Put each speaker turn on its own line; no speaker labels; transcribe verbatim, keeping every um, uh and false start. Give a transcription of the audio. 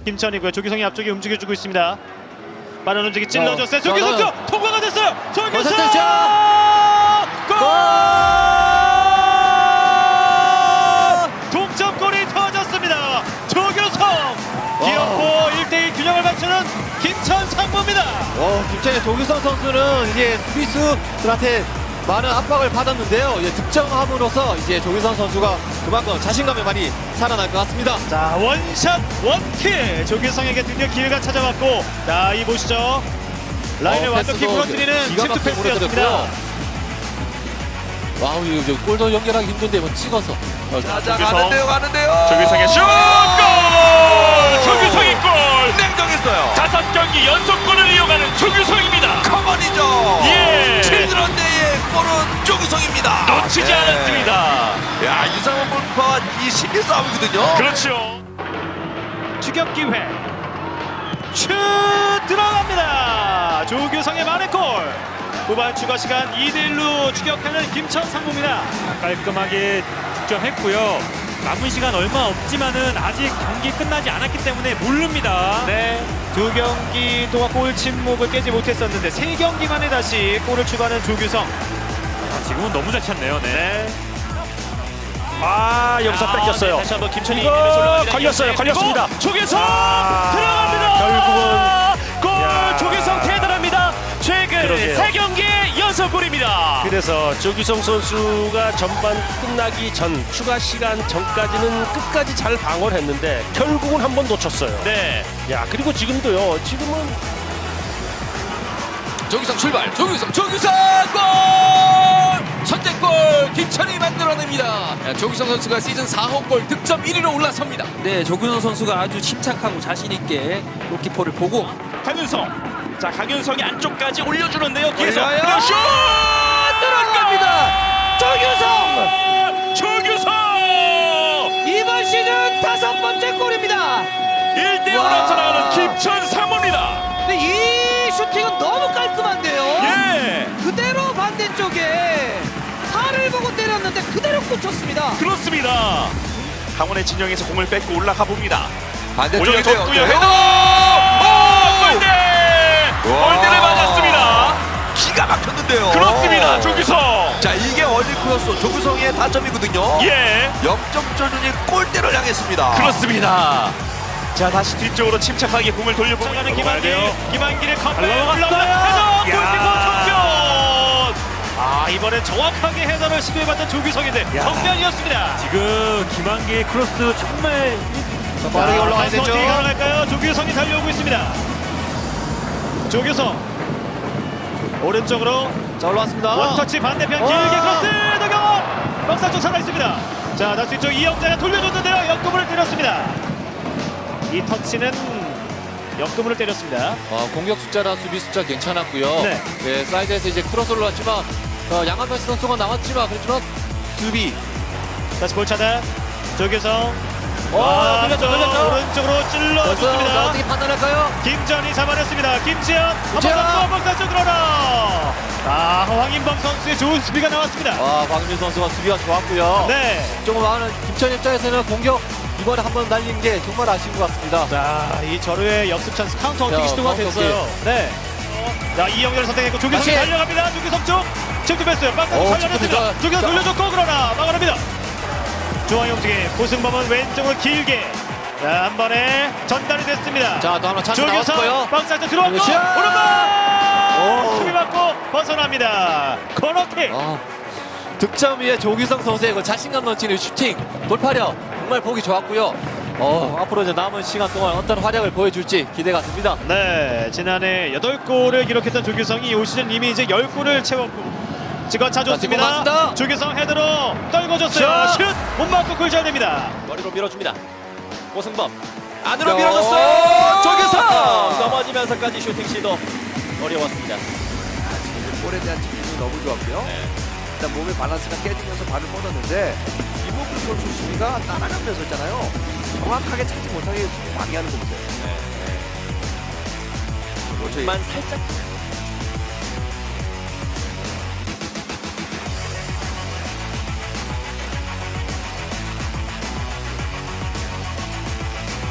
김천이고요. 조규성이 앞쪽에 움직여주고 있습니다. 빠른 움직임 찔러줬어요.
어,
조규성
저,
통과가 됐어요. 조규성 골! 동점골이 터졌습니다. 조규성 기어코 일 대 일 균형을 맞추는 김천 상무입니다.
어, 김천의 조규성 선수는 이제 수비수들한테 많은 압박을 받았는데요. 이제 득점함으로써 이제 조규성 선수가 그만큼 자신감이 많이 살아날 것 같습니다.
자, 원샷 원킬 조규성에게 드디어 기회가 찾아왔고, 자, 이 보시죠. 라인을
어,
완벽히
패스도
무너뜨리는
기가
침투
막히게
패스였습니다.
무너뜨렸고요. 와우, 이거 저 골도 연결하기 힘든데 뭐 찍어서. 어,
자, 자, 가는데요, 가는데요.
조규성의 슛! 골! 조규성의 골!
냉정했어요.
다섯 경기 연속골을 이어가는 조규성입니다.
커먼이죠.
예.
칠드런데의 골은 조규성입니다.
놓치지
네.
않았습니다.
야, 유상원 골키퍼와 이 심리 싸움이거든요.
그렇죠.
추격 기회. 슛 들어갑니다. 조규성의 만회골. 후반 추가 시간 이 대 일로 추격하는 김천 상무입니다.
깔끔하게 득점했고요. 남은 시간 얼마 없지만은 아직 경기 끝나지 않았기 때문에 모릅니다.
네, 두 경기 동안 골 침묵을 깨지 못했었는데 세 경기 만에 다시 골을 추가하는 조규성.
아, 지금은 너무 잘 찼네요. 네.
네.
아, 여기서
아,
뺏겼어요.
네, 다시 한번 김천이
이거
올라갑니다.
걸렸어요, 걸렸습니다.
조규성
아,
들어갑니다.
결국은
골.
야.
조규성 대단합니다. 최근
그러게요.
세 경기 연속 골입니다.
그래서 조규성 선수가 전반 끝나기 전 추가 시간 전까지는 끝까지 잘 방어를 했는데 결국은 한 번 놓쳤어요.
네.
야, 그리고 지금도요. 지금은
조규성 출발. 조규성, 조규성 골! 선제골 김천이 만들어냅니다. 야, 조규성 선수가 시즌 사 호 골 득점 일 위로 올라섭니다.
네, 조규성 선수가 아주 침착하고 자신 있게 골키퍼를 보고
강윤성. 자, 강윤성이 안쪽까지 올려주는데요. 뒤에서
올려요.
그리고 슛!
들어갑니다. 조규성!
조규성!
이번 시즌 다섯 번째 골입니다.
일 대 일로
와.
나타나는 김천 상무입니다.
근데 이 슈팅은 너무 깔끔한데요.
예,
그대로 반대쪽에 팔을 보고 때렸는데 그대로 꽂혔습니다.
그렇습니다. 강원의 진영에서 공을 뺏고 올라가 봅니다.
반대쪽인데요.
올려줬고요.
네.
헤더! 오! 골대!
와.
골대를 맞았습니다.
기가 막혔는데요.
그렇습니다. 조규성.
자, 이게 월드크로스 조규성의 다점이거든요.
예,
역점전이 골대를 향했습니다.
그렇습니다. 자, 다시 뒤쪽으로 침착하게 공을 돌려보고
가는
있는
김한길. 김한길의 컴백
올라갔어요.
올라오는 헤더. 골키퍼
야.
정면. 아, 이번엔 정확하게 헤더를 시도해봤던 조규성인데 정면이었습니다.
지금 김한기의 크로스 정말
빠르게 올라가야 되죠.
어떻게 가능할까요? 조규성이 달려오고 있습니다. 조규성 오른쪽으로
자, 올라왔습니다.
원터치 반대편
와.
길게 크로스 더경 박사 쪽 살아 있습니다. 자, 다시 뒤쪽 이영자가 돌려줬는데요. 역금을 때렸습니다. 이 터치는 역금을 때렸습니다.
어, 공격 숫자랑 수비 숫자 괜찮았고요.
네.
네, 사이드에서 이제 크로스 올라왔지만 어, 양한패스 선수가 나왔지만 그렇지만 수비.
다시 볼 차단. 조규성
어, 돌렸죠, 돌렸죠.
오른쪽으로
그래서 자,
찔러줬습니다.
어떻게 판단할까요?
김전이 잡아냈습니다. 김지현
김지현!
한번 더 박사 쪽으로 나. 아, 황인범 선수의 좋은 수비가 나왔습니다.
아, 박민 선수가 수비가 좋았고요.
네.
조금 많은 김천 입장에서는 공격 이번에 한번 날린 게 정말 아쉬운 것 같습니다.
자, 이 절호의 역습 찬스 카운터
자,
어떻게 시도가
카운터
됐어요. 네. 자, 이영렬 선택했고 조규성이
다시.
달려갑니다. 조규성 쪽 침투 뺐어요. 박사 쪽
어,
살려냈습니다.
침투
조규성
자.
돌려줬고 그러나 막아냅니다. 중앙의 움직임. 고승범은 왼쪽으로 길게. 자, 한 번에 전달이 됐습니다.
자, 또 하나 찬스
조규성
나왔고요.
박사 쪽 들어왔고
슛!
오른발
오.
수비 받고 벗어납니다. 코너킥.
아, 득점 위에 조규성 선수의 그 자신감 넘치는 슈팅, 돌파력 정말 보기 좋았고요. 어, 앞으로 이제 남은 시간 동안 어떤 활약을 보여줄지 기대가 됩니다.
네, 지난해 여덟 골을 기록했던 조규성이 올 시즌 이미 이제 열 골을 채웠고 지금 차줬습니다.
자, 뒷공 맞습니다.
조규성 헤드로 떨궈줬어요.
슛!
슛! 못 맞고 골 잘 됩니다.
머리로 밀어줍니다. 고승범
안으로
밀어줬어요.
조규성!
넘어지면서까지 슈팅 시도 어려웠습니다.
볼에 대한 집중이 너무 좋았고요. 일단 몸의 밸런스가 깨지면서 발을 뻗었는데 이모크 선수 수비가 따라가면서 있잖아요. 정확하게 찾지 못하게 수비 방해하는 거 보세요. 네. 그렇죠.
만 살짝